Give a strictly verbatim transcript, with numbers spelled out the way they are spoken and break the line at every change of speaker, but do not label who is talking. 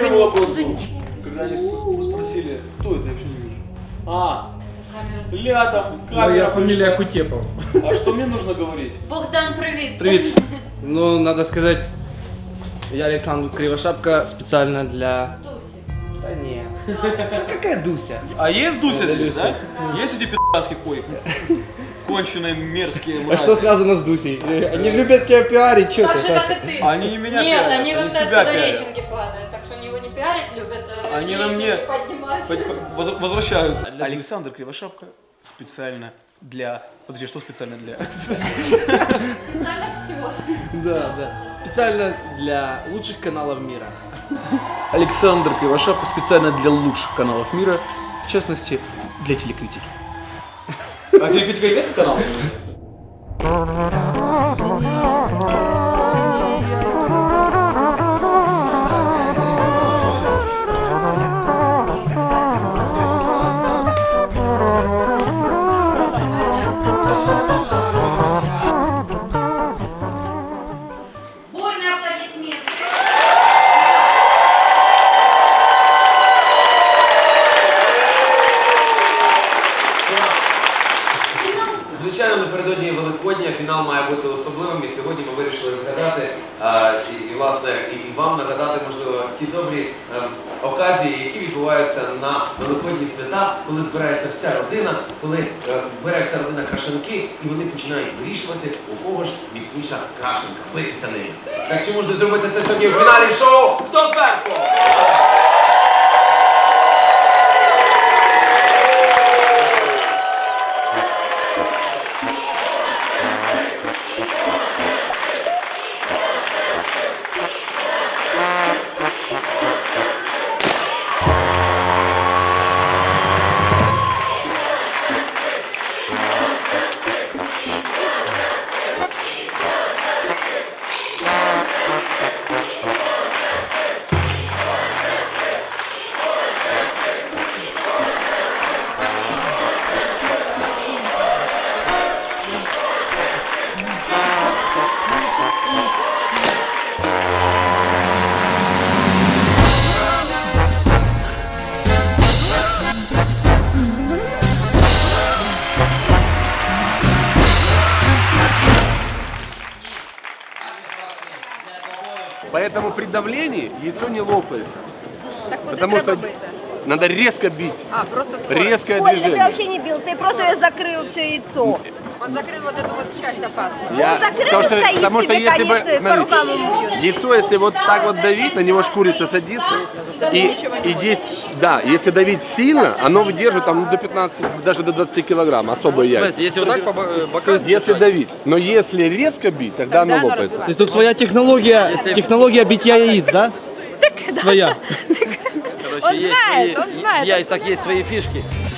первый вопрос был, когда они спросили, кто это, я вообще не вижу. А, ля там, камера.
Моя фамилия
пришла.
Кутепов.
А что мне нужно говорить?
Богдан, привет.
Привет. Ну, надо сказать, я Александр Кривошапка специально для... Да не. Какая Дуся?
А есть Дуся
Да,
здесь,
Люся.
да? Есть эти пи***ски койки? Конченые, мерзкие
А
мрази.
что связано с Дусей? Они любят тебя пиарить, что
Так
ты,
же, как
Саша?
и ты.
Они не меня
Нет,
пиарят,
они
они
вот
себя
оттуда
пиарят.
рейтинги падают, так что они его не пиарить любят, а
Они на
рейтинги
мне
поднимать.
Под- воз- возвращаются. Александр Кривошапка специально для... Подожди, что специально для?
Специально всего.
Да, да. Специально для лучших каналов мира.
Александр Кривошапка специально для лучших каналов мира, в частности, для телекритики. А телекритика является каналом?
Бурные аплодисменты.
Звичайно, напередодні Великодня фінал має бути особливим, і сьогодні ми вирішили згадати а, і, і, власне, і, і вам нагадати, можливо, ті добрі ем, оказії, які відбуваються на Великодні свята, коли збирається вся родина, коли е, бере вся родина крашенки, і вони починають вирішувати, у кого ж міцніша крашенка, битися ними. Так чи можна зробити це сьогодні в фіналі шоу «Хто зверху?».
Поэтому при давлении яйцо не лопается.
Так куди
Потому
треба
что
бити?
надо резко бить.
А, просто скорость.
Резкое
Ой, ты
движение.
вообще не бил, ты просто закрыл все яйцо.
Он закрыл вот эту вот часть опасную.
Я-
Он закрыл
потому что,
и стоит
потому что
себе,
если бы,
конечно, по
смотри,
рукам ему бьет.
яйцо, если вот так вот давить, на него ж курица садится. И, и здесь, да, если давить сильно, оно выдержит там ну, до пятнадцати, даже до двадцати килограмм, особые яйца.
Если вот так по бокам...
Если давить. Но если резко бить, тогда,
Тогда
оно
оно
лопается.
разбивается.
То есть тут своя технология, технология битья яиц, да? Своя.
Он знает, он знает.
В яйцах есть свои фишки.